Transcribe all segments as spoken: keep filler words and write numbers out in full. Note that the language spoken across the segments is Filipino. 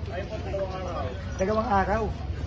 Dalawang araw.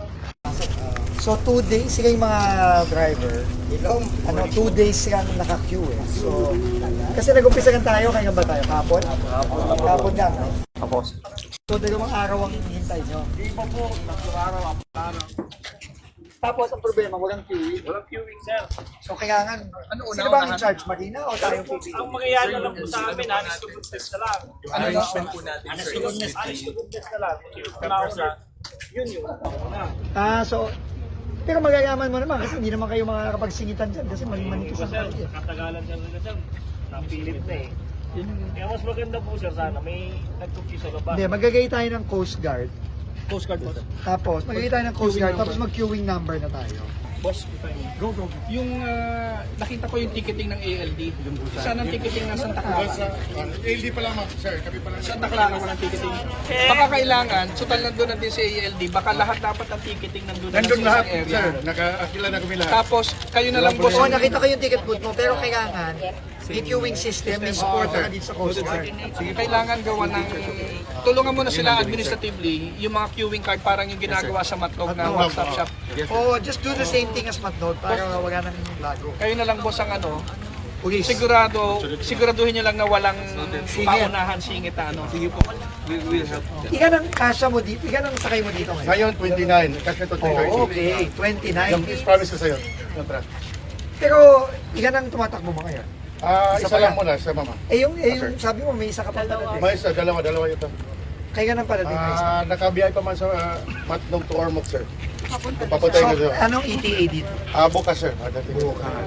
So, two days sila yung mga driver. Ano, two days silang naka-queue eh. So, kasi nag-umpisa lang tayo, kaya ba tayo? Kapon? Kapon lang. No? Tapos, So, dalawang araw ang hintay nyo. Di ba po, tatlong araw, apat na araw. Tapos, ang problema, walang queuing. Walang queuing, sir. So, kailangan, ano, sino ba ang in-charge? Marina o tayo P P E? Ang mangyayari na lang po sa amin, honest to goodness na lang. ano arrangement po natin, Honest sir? to goodness, honest to goodness na lang. Yung nauna, yun yung nauna. Ah, so, pero magagaman mo naman kasi hindi naman kayo makakapagsingitan dyan kasi mali-manitis Iba, ang sir, kayo. katagalan sir nila, sir. Napilit na eh. Kaya mas maganda po, sir, sana may nagtuki sa labas. Hindi, magagay tayo ng Coast Guard. Coast Guard po. Tapos, magagay tayo ng Coast Guard, tapos mag-queuing number na tayo. Boss, if I may. Go, go, go. Yung ah, nakita ko yung ticketing ng A L D. Saan ang ticketing ng Santa Clara? A L D pa lang, ma'am, sir. Kami pa lang. Santa Clara walang ticketing. Baka kailangan, so nandun natin sa A L D, baka lahat dapat ang ticketing nandun na Nandun sa lahat, isang area. sir. Naka-akila na kami lahat. Tapos, kayo na lang boss. Oo, nakita ko yung ticket booth mo, pero kailangan, may queuing system, may supporter na dito sa Coast Guard. Sige, kailangan gawa ng... Tulungan mo na sila administratively, yung mga queuing card parang yung ginagawa sa Matlog na one-stop shop. Oo, just do the same thing as Matnod para wala nang lago. Kayo na lang boss ang ano, Police. sigurado, siguraduhin nyo lang na walang paunahan singit na ano. Sige po. Ikan ang kasya mo dito, ikan ang sakay mo dito ngayon. Ngayon, twenty-nine. Kasi ito, Oo, twenty-nine. okay, twenty-nine. Yung is promise ko sa'yo. Contract. Pero, ikan ang tumatakbo mo ngayon. Ah, Isa isa pa lang lang. muna sa mama. Eh yung, eh, yung sabi mo, may isa ka pa talaga. May isa, dalawa, dalawa ito. Kaya nga ng pala din may isa. Ah, nakabiyay pa man sa uh, Matnog to Ormoc, sir. Papuntay ko So, sir. anong E T A dito? Ah, bukas, sir. Ah, dati.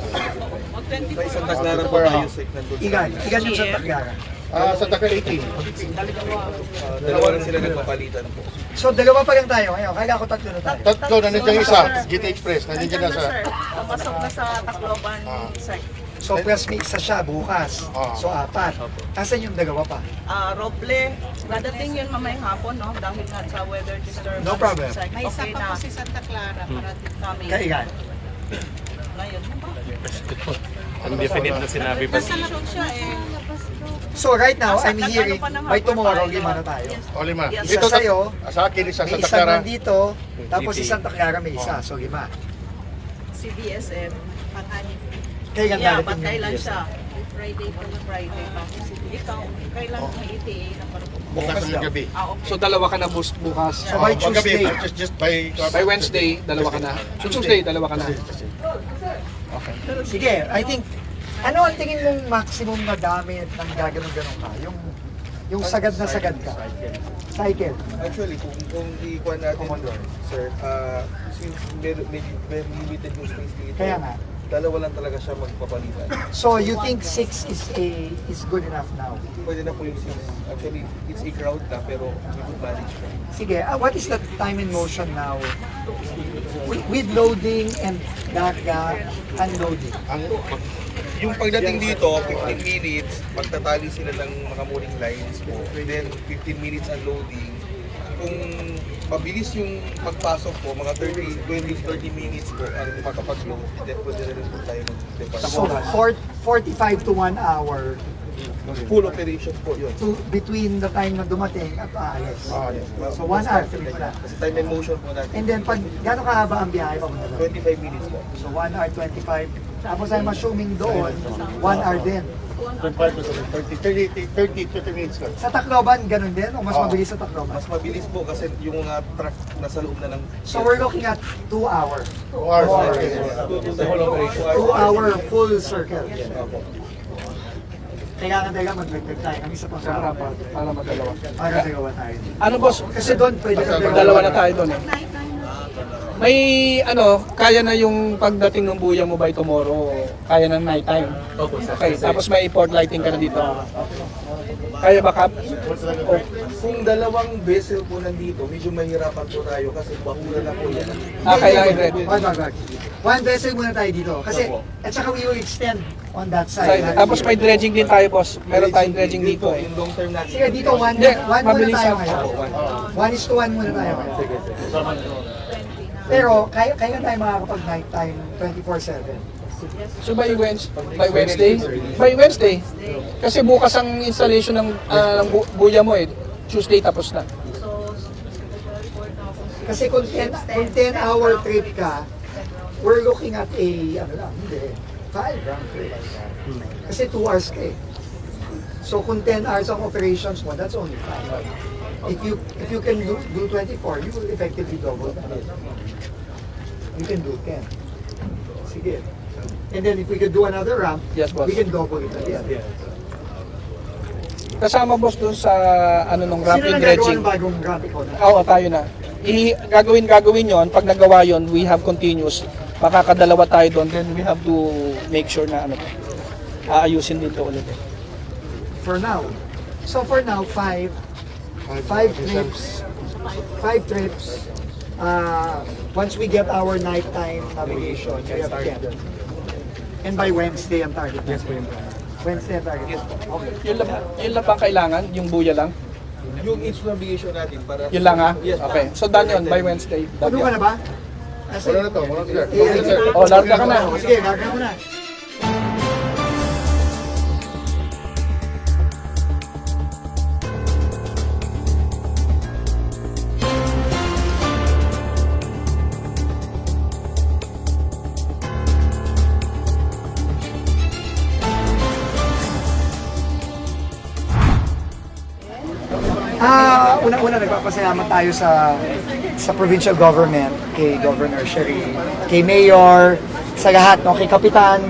Sa isang Taclara po tayo, sir. Nandun sa- Ikan, ikan yung Santa Clara. Ah, sa Taka eighteen. Ah, dalawa lang sila nagpapalitan po. So, dalawa pa lang tayo ngayon. Kaya ako tatlo na tayo. Tatlo, nandiyan yung isa. G T Express. Nandiyan na sa... Papasok na sa Tacloban site. So, plus may isa siya bukas. Ah. So, apat. Asan yung dalawa pa? Ah, Roble, dadating yun mamayang hapon, no? Dahil nga sa weather disturbance. No problem. Site. May isa Okay pa na. po si Santa Clara para Kami. Kaya ikan. Ngayon, ano ba? Undefinite na sinabi pa. nasa labas siya eh. So, right now, I'm Nasa- hearing, nagano pa ng by tomorrow, hapon lima tayo. na tayo. O, lima. Yes. Isa Ito, sa'yo, sa akin, isa May sa isa Takara. nandito, tapos si Santa Clara may isa. So, lima. Si B S M. Pang-anim. Kaya Yeah, darating patay yung lang B S M. siya. Friday po na Friday pa. Ikaw, kailan may E T A na para pumunta? Bukas ng gabi. Ah, okay. So dalawa ka na bus bukas. So, by Ah, pag gabi, Tuesday. just, just by... By Wednesday, dalawa ka na. So Tuesday, dalawa ka na. Sige, I think, ano ang tingin mong maximum na dami ng gaganon-ganon ka? Yung, yung sagad na sagad ka? Cycle. Actually, kung, kung ikuha natin, sir, ah, since medyo, medyo, medyo limited yung space dito, Kaya nga. dalawa lang talaga siya magpapalitan. So, you think six is a is good enough now? Pwede na po yung six. Actually, it's a crowd na, pero we could manage po. Sige, uh, what is the time in motion now? With, with loading and daga unloading. Ang, Yung pagdating dito, fifteen minutes, pagtatali sila ng mga mooring lines po. Then, fifteen minutes unloading. Kung mabilis yung pagpasok po, mga thirty, twenty, thirty minutes po ang makapag-load. Then, pwede na rin po tayo mag-depart. So, four, forty-five to one hour Full operation po yun. to between the time na dumating at aalis. ah, yes. So, one hour, three pala. Kasi time and motion po natin. And then, pag gano'ng kahaba ang biyahe pa doon? twenty-five minutes po. So, one hour, twenty-five. Tapos I'm assuming doon, one hour din. twenty-five to thirty, thirty, thirty, thirty minutes lang. Sa Tacloban, ganun din? O mas Oo. mabilis sa Tacloban? Mas mabilis po kasi yung mga truck nasa loob na ng... So, we're looking at two hours. Two hours. Two hours. Okay. The whole operation. Two hour full circle. Opo. Kailangan talaga mag-dagdag tayo ng isa pang Para, para, para magdalawa. para dagawa tayo. Ano boss? Kasi doon pwede ka Dalawa na tayo doon eh. May ano, kaya na yung pagdating ng buya mo by tomorrow, kaya na night time. Okay, tapos may port lighting ka na dito. Kaya ba Kap? Kung dalawang vessel po nandito, medyo mahirapan po tayo kasi bahura na po yan. Ah, kailangan i-red. Wag, wag, wag. One vessel muna tayo dito. Kasi, at saka we will extend on that Side. side. Tapos may dredging din tayo boss. Meron tayong dredging dito eh. Yung long term natin. Sige, dito one, Hindi, one muna mabilis tayo lang. ngayon. One. One is to one muna tayo ngayon. Sige, sige. Pero, kaya, kaya tayo makakapag night time twenty-four seven. So by Wednesday, by Wednesday, by Wednesday. Kasi bukas ang installation ng ah, ng bu- buya mo eh. Tuesday tapos na. So, Kasi kung ten, kung ten hour trip ka, we're looking at a, ano lang, hindi, five round trip. Kasi two hours ka eh. So kung ten hours ang operations mo, that's only five. If you if you can do, do twenty-four, you will effectively double that. You can do ten. Sige. And then if we could do another ramp, Yes, boss. we can double it again. Kasama boss dun sa ano nung Sino ramping na gagawa dredging. ng bagong ramp ikaw na? Oo, tayo na. I gagawin gagawin yon. Pag nagawa yon, we have continuous. Makakadalawa tayo doon, then we have to make sure na ano, aayusin din to ulit. For now. So for now, five, five trips, five trips. Uh, once we get our nighttime navigation, we have ten. And by Wednesday ang target. Yes, Wednesday ang target. Okay. Yun lang, yun lang bang kailangan? Yung buya lang? Yung its navigation natin para... Yun lang ha? Yes. Okay. So done yun by Wednesday. Done Ano ka yun. na ba? Asa- Wala na to, wala na, sir. Eh, Wala na, sir. Oh, larga ka na. Sige, larga mo na. Ah, una-una nagpapasalamat tayo sa sa provincial government, kay Governor Sherry, kay Mayor, sa lahat, no, kay Kapitan,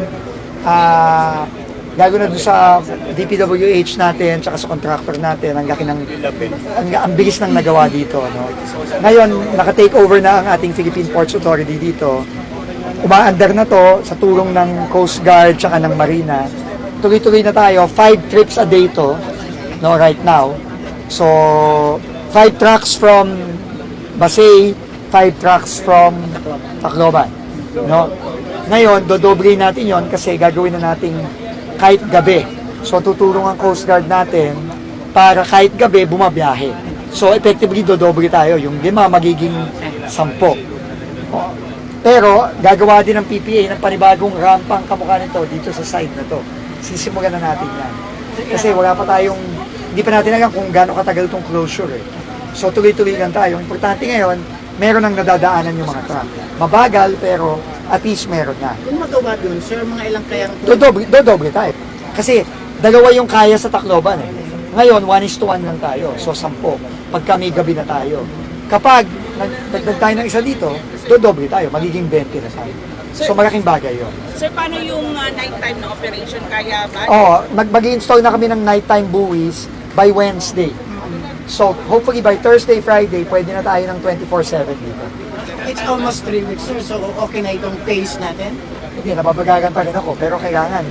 ah, lalo na doon sa D P W H natin, tsaka sa contractor natin, ang laki ng, ang, ang bilis ng nagawa dito, no. Ngayon, naka-take over na ang ating Philippine Ports Authority dito. Umaandar na to sa tulong ng Coast Guard tsaka ng Marina. Tuloy-tuloy na tayo, five trips a day to, no, right now. So, five trucks from Basay, five trucks from Tacloban. No? Ngayon, dodoble natin yon kasi gagawin na natin kahit gabi. So, tutulong ang Coast Guard natin para kahit gabi bumabiyahe. So, effectively, dodoble tayo. Yung lima magiging sampo. O, pero, gagawa din ng P P A ng panibagong rampang kamukha nito dito sa side na to. Sisimulan na natin yan. Kasi wala pa tayong hindi pa natin alam kung gaano katagal itong closure eh. So tuloy-tuloy lang tayo. Importante ngayon, meron nang nadadaanan yung mga truck. Mabagal pero at least meron na. Kung magawa dun, sir, mga ilang kayang Dodoble, dodoble tayo. Kasi dalawa yung kaya sa Tacloban eh. Ngayon, one is to one lang tayo. So sampo. Pagka may gabi na tayo. Kapag nagdag tayo ng isa dito, dodoble tayo. Magiging twenty na tayo. So malaking bagay yun. Sir, paano yung uh, nighttime na operation? Kaya ba? Oo, mag- mag-install na kami ng nighttime buoys by Wednesday. So, hopefully by Thursday, Friday, pwede na tayo ng twenty-four seven dito. it's almost three weeks, sir. So, okay na itong pace natin. Hindi, nababagagan pa rin ako. Pero kailangan,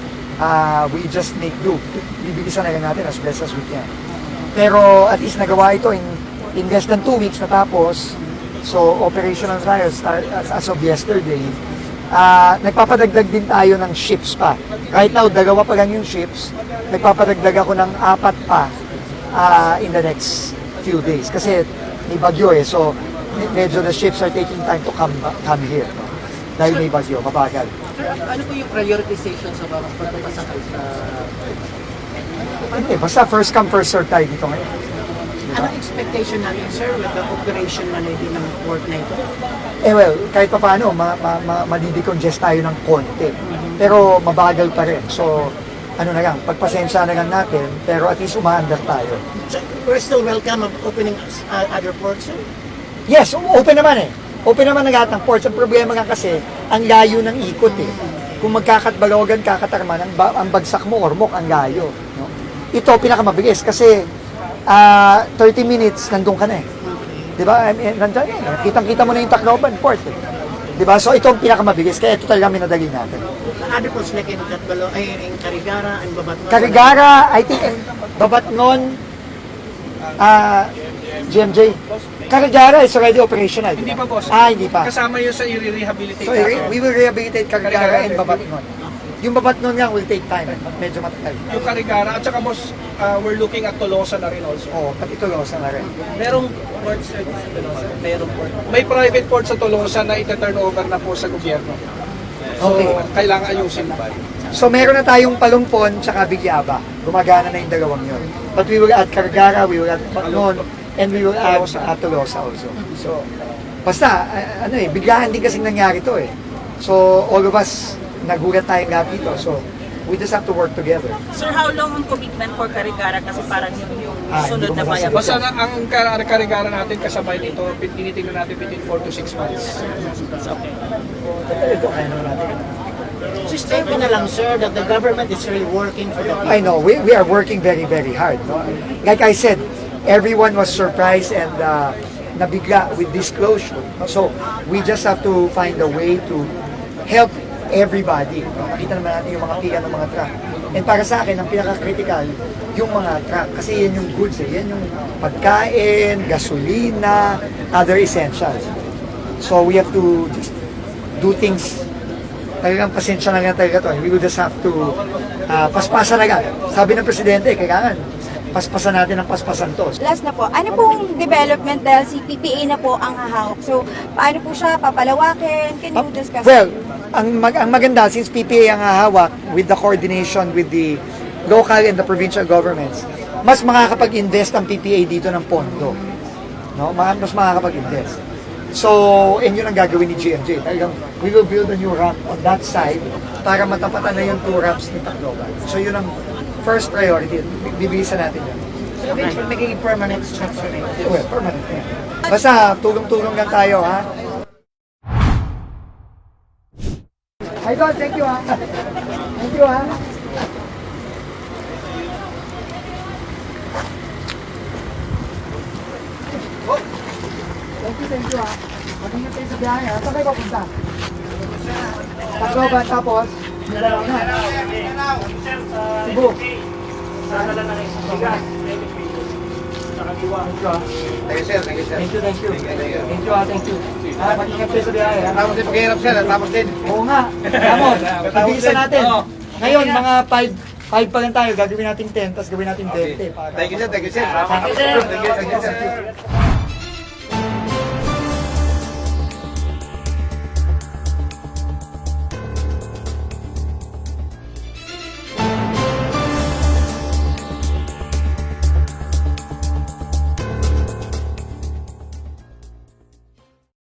uh, we just make do. Bibilisan na lang natin as best as we can. Pero at least nagawa ito in, in less than two weeks natapos. So, operational tayo start, as, as of yesterday. Uh, nagpapadagdag din tayo ng ships pa. Right now, dalawa pa lang yung ships. Nagpapadagdag ako ng apat pa uh, in the next few days. Kasi may bagyo eh. So, medyo the ships are taking time to come come here. No? Dahil may bagyo, mabagal. Sir, ano po yung prioritization sa mga pagpapasakay sa... Hindi, basta first come, first serve tayo dito ngayon. Anong expectation natin, sir, with the operation management ng port na ito? Eh well, kahit pa paano, ma, ma, ma, madidecongest tayo ng konti. Pero mabagal pa rin. So, ano na lang, pagpasensya na lang natin, pero at least umaandar tayo. So, we're still welcome of opening uh, other ports, sir? Yes, open naman eh. Open naman na lahat ng ports. Ang problema nga kasi, ang layo ng ikot eh. Kung magkakatbalogan, kakatarman, ang, ba, ang bagsak mo, ormok, ang layo. No? Ito, pinakamabilis kasi uh, thirty minutes, nandun ka na eh. Di ba? I mean, nandun eh. Kitang-kita mo na yung Tacloban port eh. Di ba? So ito ang pinakamabilis, kaya ito talaga minadali natin. Other ports like in Catbalo, ay in Carigara, and Babatnon. Carigara, I think, and Babatnon, ah, G M J. Carigara is already operational. Hindi pa, boss. Ah, hindi pa. Kasama yun sa i-rehabilitate So, natin. we will rehabilitate Carigara and Babatnon. Yung Babatnon nga will take time. Medyo matagal. Yung Carigara, at saka boss, uh, we're looking at Tolosa na rin also. Oo, pati Tolosa na rin. Merong port service sa Tolosa? Merong port. May private port sa Tolosa na ita-turn over na po sa gobyerno. So, Okay. kailangan ayusin na. So, meron na tayong Palumpon tsaka Bigyaba. Gumagana na yung dalawang yun. But we will add Carigara, we will add Babatnon, And we will add uh, Tolosa also. So, basta, uh, ano eh, biglaan din kasing nangyari to eh. So, all of us, nagulat tayong lahat dito. So, we just have to work together. Sir, how long ang commitment for Carigara? Kasi parang yun yung Ah, hindi sunod ko na bayan. masasagot. Basta na, ang kar- karigara natin kasabay dito, tinitingnan natin between four to six months. Ito, kaya naman natin. System na lang, sir, that the government is really working for the people. I know, we, we are working very, very hard. No? Like I said, everyone was surprised and uh, nabigla with this closure. So, we just have to find a way to help everybody. No? Nakita naman natin yung mga pila ng mga truck. And para sa akin, ang pinaka-critical, yung mga truck. Kasi yan yung goods eh. Yan yung pagkain, gasolina, other essentials. So, we have to just do things. Talagang pasensya na lang talaga to. We will just have to uh, paspasan agad. Sabi ng Presidente, kailangan paspasan natin ang paspasan to. Last na po, ano pong development dahil si P P A na po ang hahawak? So, paano po siya papalawakin? Can you discuss? Well, ang, mag ang maganda, since P P A ang hahawak with the coordination with the local and the provincial governments, mas makakapag-invest ang P P A dito ng pondo. No? Ma- Mas makakapag-invest. So, and yun ang gagawin ni G M J. Talagang, we will build a new ramp on that side para matapatan na yung two ramps ni Tacloban. So, yun ang first priority. Bibilisan natin yun. So, eventually, magiging permanent structure na yun. Well, permanent na yan. Basta, tulong-tulong lang tayo, ha? Idol, thank you, ha? Thank you, ha? Thank you, thank you, ha? Mag-ingat kayo sa biyahe, ha? Saan kayo papunta? Tacloban, tapos? Mindanao na. Sir, sa Cebu. sana lang na rin sa bigas. Sa kaliwa. Thank you, sir. Thank you, sir. Thank you, thank you. Thank you, ha? Thank you. Ha, mag-ingat kayo sa biyahe, ha? Tapos din paghihirap, sir. Tapos din. Oo nga. Ramon, ibisan natin. Ngayon, mga five five pa lang tayo. Gagawin natin ten, tapos gawin natin twenty. para- Thank you, sir. Thank you, sir. Thank you, sir. Thank you, sir.